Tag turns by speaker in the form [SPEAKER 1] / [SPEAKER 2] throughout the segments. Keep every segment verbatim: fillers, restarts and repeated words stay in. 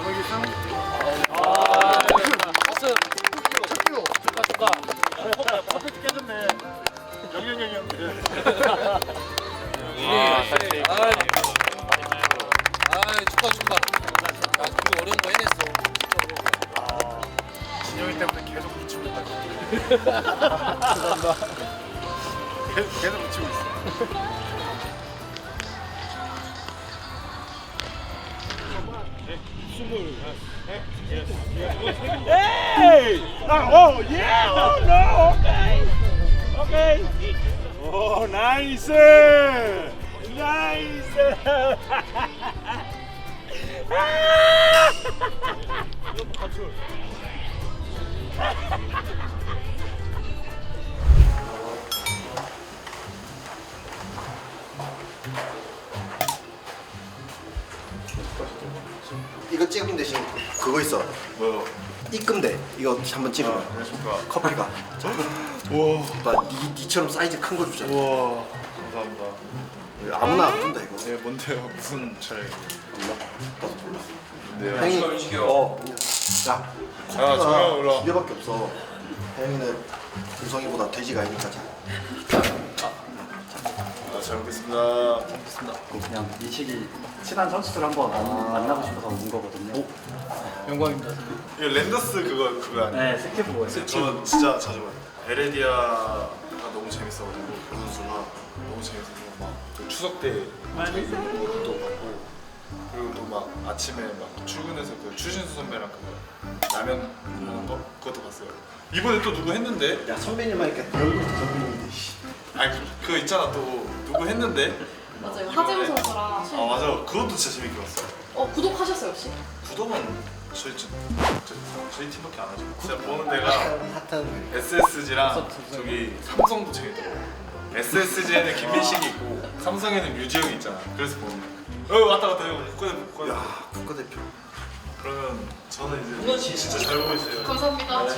[SPEAKER 1] 정의기상.
[SPEAKER 2] 아, 박수.
[SPEAKER 1] 첫 킬로.
[SPEAKER 2] 축하 축하.
[SPEAKER 1] 퍼펙트 깨졌네. 영영영영.
[SPEAKER 2] 아, 사실. 아, 아, 축하 축하. 야, 그 어려운 거 해냈어.
[SPEAKER 1] 진영이 때문에 계속 붙이고 있다. 죄송합니다. 계속, 계속 붙이고 있어.
[SPEAKER 3] Hey! Oh, oh, yeah! Oh, no! Okay! Okay! Oh, nice! Nice!
[SPEAKER 4] 이거 찍은 대신 그거 있어.
[SPEAKER 1] 뭐요?
[SPEAKER 4] 입금돼. 이거 한번 찍으면
[SPEAKER 1] 안녕하십니까.
[SPEAKER 4] 커피가.
[SPEAKER 1] 우와.
[SPEAKER 4] 나 니, 니처럼 사이즈 큰 거 주잖아.
[SPEAKER 1] 우와. 감사합니다.
[SPEAKER 4] 아무나 안 준다 이거.
[SPEAKER 1] 네, 뭔데요? 무슨 차례예요?
[SPEAKER 4] 나도 몰라.
[SPEAKER 1] 네요.
[SPEAKER 4] 혜영이. 어. 야.
[SPEAKER 1] 아, 정말 몰라.
[SPEAKER 4] 커피가 두 개밖에 없어. 혜영이는 우성이보다 돼지가 아니니까 자.
[SPEAKER 1] 아, 잘 먹겠습니다.
[SPEAKER 5] 그냥 민식이 친한 선수들 한번 만- 만나고 싶어서 온 거거든요.
[SPEAKER 2] 영광입니다.
[SPEAKER 1] 이거 랜더스 그거 그거 아니에요?
[SPEAKER 5] 네, 스케보예요.
[SPEAKER 1] 저 진짜 자주 봐요. 에레디아가 너무 재밌어가지고 그 선수가 너무 재밌어서 막그 추석 때 그것도 봤고 그리고 또 막 아침에 막 출근해서 그 추신수 선배랑 그 라면 먹는 거 그것도 봤어요. 이번에 또 누구 했는데?
[SPEAKER 4] 야 선배님만 이렇게 네 얼굴부터 선배님인데. 씨.
[SPEAKER 1] 아니 그, 그거 있잖아 또 누구 했는데?
[SPEAKER 6] 맞아요. 하재무 선수랑
[SPEAKER 1] 아
[SPEAKER 6] 최-
[SPEAKER 1] 맞아 그것도 진짜 재밌게 봤어요.
[SPEAKER 6] 어 구독하셨어요 혹시?
[SPEAKER 1] 구독은 저희 저, 저, 저희 팀밖에 안 하죠. 제가 보는 데가
[SPEAKER 4] 핫한.
[SPEAKER 1] 에스에스지랑 저기 삼성도 재밌더라고. 에스에스지에는 김민식이 있고 삼성에는 유지영이 있잖아. 그래서 보는 거야. 어 왔다 갔다 형 국가대표 국가대표.
[SPEAKER 4] 야 국가대표.
[SPEAKER 1] 그러면 저는 이제 진짜 잘 보고 있어요.
[SPEAKER 6] 감사합니다.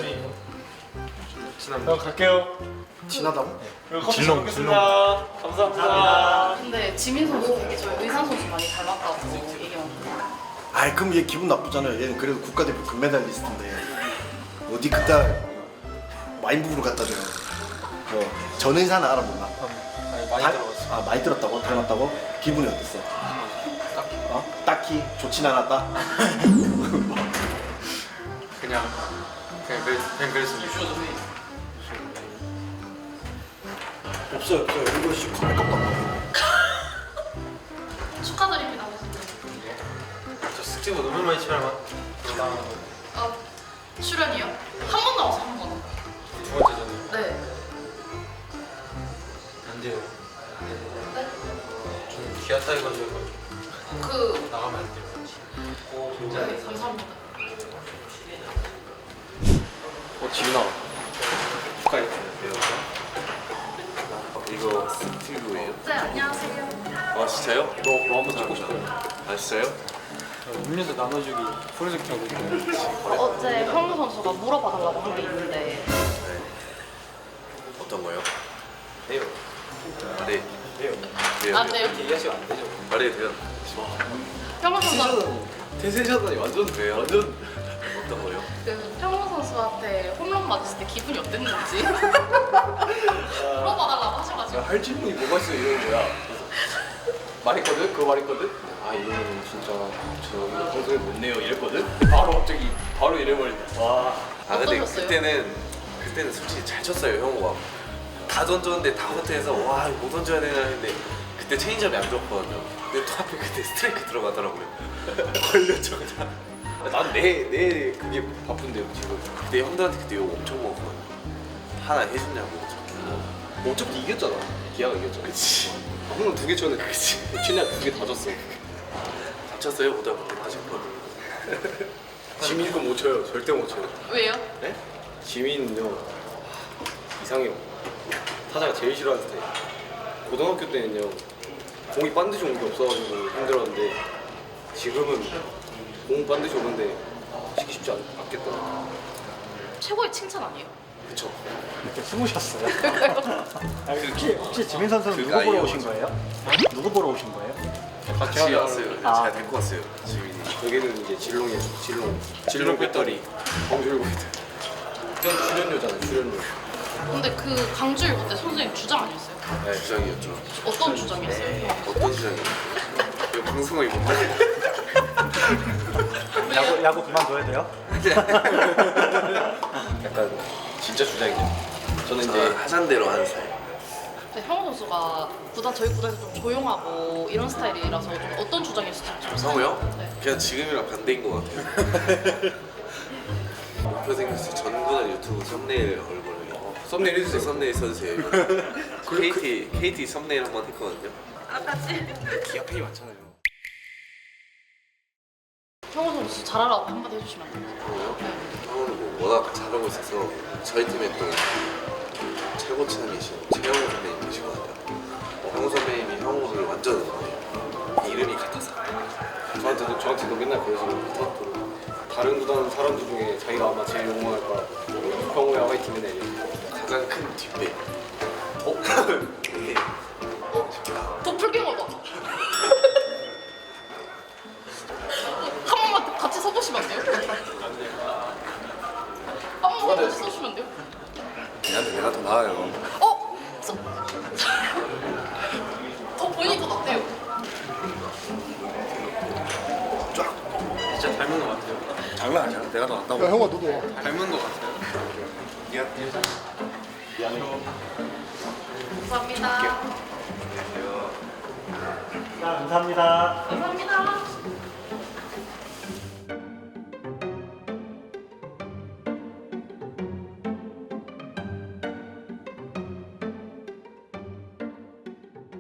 [SPEAKER 1] 형 갈게요.
[SPEAKER 4] 친하다고?
[SPEAKER 1] 그럼 커피 잘 먹겠습니다. 감사합니다.
[SPEAKER 6] 근데 지민 선수 되게 저희 의상 선수 많이 닮았다고 얘기하거든요.
[SPEAKER 4] 아이 그럼 얘 기분 나쁘잖아요. 얘는 그래도 국가대표 금메달리스트인데 어디 그따 와인부부를 갖다 줘요. 뭐 전의사는 알아 몰라.
[SPEAKER 2] 많이
[SPEAKER 4] 다-
[SPEAKER 2] 들어봤어.
[SPEAKER 4] 아 많이 들었다고? 닮았다고? 기분이 어땠어?
[SPEAKER 2] 딱히
[SPEAKER 4] 어? 딱히 좋진 않았다?
[SPEAKER 2] 그냥 그냥 그랬 그냥 그랬습니다.
[SPEAKER 4] 없어요 없어요. 이거 씨 컵에 깜빡.
[SPEAKER 6] 축하드립니다.
[SPEAKER 2] 저 스티브 너무 많이 치면
[SPEAKER 6] 아 출연이요? 한 번 나와서 한 번.
[SPEAKER 2] 두 번째잖아요.
[SPEAKER 6] 네.
[SPEAKER 2] 안 돼요.
[SPEAKER 6] 네?
[SPEAKER 2] 좀 기아 타이거즈
[SPEAKER 6] 그
[SPEAKER 2] 나가면 안 돼요.
[SPEAKER 6] 네, 감사합니다.
[SPEAKER 2] 어 지민아 축하해.
[SPEAKER 7] 이거 스티브예요?
[SPEAKER 6] 네 안녕하세요.
[SPEAKER 7] 아 진짜요?
[SPEAKER 2] 너, 너 한번 찍고 싶어요.
[SPEAKER 7] 아 진짜요?
[SPEAKER 2] 음료수 나눠주기 프로젝트 하고 있는데
[SPEAKER 6] 어제 황무 선수가 물어봐달라고 한 게 있는데
[SPEAKER 7] 어떤 거요?
[SPEAKER 2] 해요.
[SPEAKER 7] 네.
[SPEAKER 2] 해요.
[SPEAKER 7] 돼요.
[SPEAKER 6] 안 돼요?
[SPEAKER 2] 얘기하시면 안 되죠.
[SPEAKER 7] 말해도 돼요.
[SPEAKER 6] 황무 선수
[SPEAKER 2] 대세잖아요. 완전
[SPEAKER 7] 왜요?
[SPEAKER 2] 완전
[SPEAKER 7] 어떤 거요?
[SPEAKER 6] 그 황무 선수한테 홈런 맞았을 때 기분이 어땠는지 물어봐달라고 하셔가지고.
[SPEAKER 2] 할 질문이 뭐가 있어 이러는 거야. 그래서 말했거든? 그거 말했거든? 아 이거는 진짜 저 이거 방송에 못 내요 이랬거든? 바로 갑자기 바로 이래버린다. 와.
[SPEAKER 7] 아 근데
[SPEAKER 6] 어떠셨어요?
[SPEAKER 7] 그때는 그때는 솔직히 잘 쳤어요 형우가. 다 던졌는데 다 호텔에서 와 이거 못 던져야 되나 했는데 그때 체인지업이 안 좋았거든요. 근데 또 하필 그때 스트라이크 들어가더라고요. 걸렸죠 그냥.
[SPEAKER 2] 난내내 그게 바쁜데요 지금.
[SPEAKER 7] 그때 형들한테 그때 욕 엄청 먹었거든요. 하나 해주냐고.
[SPEAKER 2] 뭐 어차피 이겼잖아. 기아가 이겼잖아.
[SPEAKER 7] 그치.
[SPEAKER 2] 홈런 두개 쳤는데 그치. 최대한 두개 다 졌어.
[SPEAKER 7] 다쳤어요 고등학교 때 다쳤거든.
[SPEAKER 2] 지민 건 못 쳐요. 절대 못 쳐요.
[SPEAKER 6] 왜요?
[SPEAKER 2] 네? 지민은요 이상해요. 타자가 제일 싫어하는 스타일. 고등학교 때는요 공이 반드시 온 게 없어가지고 힘들었는데 지금은 공 반드시 오는데 치기 쉽지 않, 않겠다.
[SPEAKER 6] 최고의 칭찬 아니에요?
[SPEAKER 2] 그쵸.
[SPEAKER 5] 이렇게 숨으셨어요. 아, 혹시, 혹시 지민 선수는
[SPEAKER 7] 그
[SPEAKER 5] 누구 보러
[SPEAKER 7] 나이에
[SPEAKER 5] 오신
[SPEAKER 7] 맞아.
[SPEAKER 5] 거예요? 누구 보러 오신 거예요?
[SPEAKER 7] 같이 왔어요.
[SPEAKER 5] 아.
[SPEAKER 7] 잘 데리고 왔어요. 지민이.
[SPEAKER 2] 여기는 이제 질롱이에요. 질롱.
[SPEAKER 7] 질롱 배터리.
[SPEAKER 2] 광주일보 배터리. 출연료잖아요. 출연료.
[SPEAKER 6] 근데 그 강주일보 때 선생님 주장 아니었어요?
[SPEAKER 7] 네, 주장이었죠.
[SPEAKER 6] 어떤 주장이었어요?
[SPEAKER 7] 어떤 주장이었어요? 왜 방송을 못하게?
[SPEAKER 5] 야구 야구 그만둬야 돼요?
[SPEAKER 2] 약간 진짜 주장이죠. 저는 이제
[SPEAKER 7] 저는 하잔 대로 하는 스타일.
[SPEAKER 6] 근데 형우 선수가 구단 저희 구단에서 좀 조용하고 이런 스타일이라서 좀 어떤 주장이었을지 좀
[SPEAKER 7] 성우요?
[SPEAKER 6] 네.
[SPEAKER 7] 그냥 지금이랑 반대인 것 같아요. 목표 생겼어요. 전구단 유튜브 썸네일 얼굴을.
[SPEAKER 2] 썸네일 해주세요.
[SPEAKER 7] 썸네일 써주세요. 케이티 케이티 썸네일 한번 했거든요.
[SPEAKER 2] 기아 팬이 많잖아요.
[SPEAKER 6] 형우 선수 잘하라고 한마디 해주시면 안 돼요?
[SPEAKER 7] 형은 뭐 워낙 잘하고 있어서 저희 팀에 또 최고 친함이신 최영호 선배님 계시거든요. 어, 형우 선배님이 형우를 완전 응원해요. 이름이 같아서.
[SPEAKER 2] 저한테도 저한테도 맨날 그러시고 다른 구단 사람들 중에 자기가 아마 제일 응원할 거라 형우야 화이팅 맨날 이래요.
[SPEAKER 7] 가장 큰 뒷배.
[SPEAKER 2] 어?
[SPEAKER 7] 네.
[SPEAKER 6] 도플갱어다. 한 번만 같이 서보시면 안 돼요? 한 번만 같이 서주시면 안 돼요?
[SPEAKER 1] 얘한테 내가 더 나아요.
[SPEAKER 6] 어? 서... 더 본인이 더 낫대요.
[SPEAKER 2] 진짜 닮은 것 같아요.
[SPEAKER 1] 장난 아니야. 내가 더 낫다고.
[SPEAKER 4] 야 형아 너도
[SPEAKER 2] 닮은 것 같아요.
[SPEAKER 6] 감사합니다.
[SPEAKER 5] 자 감사합니다.
[SPEAKER 6] 감사합니다.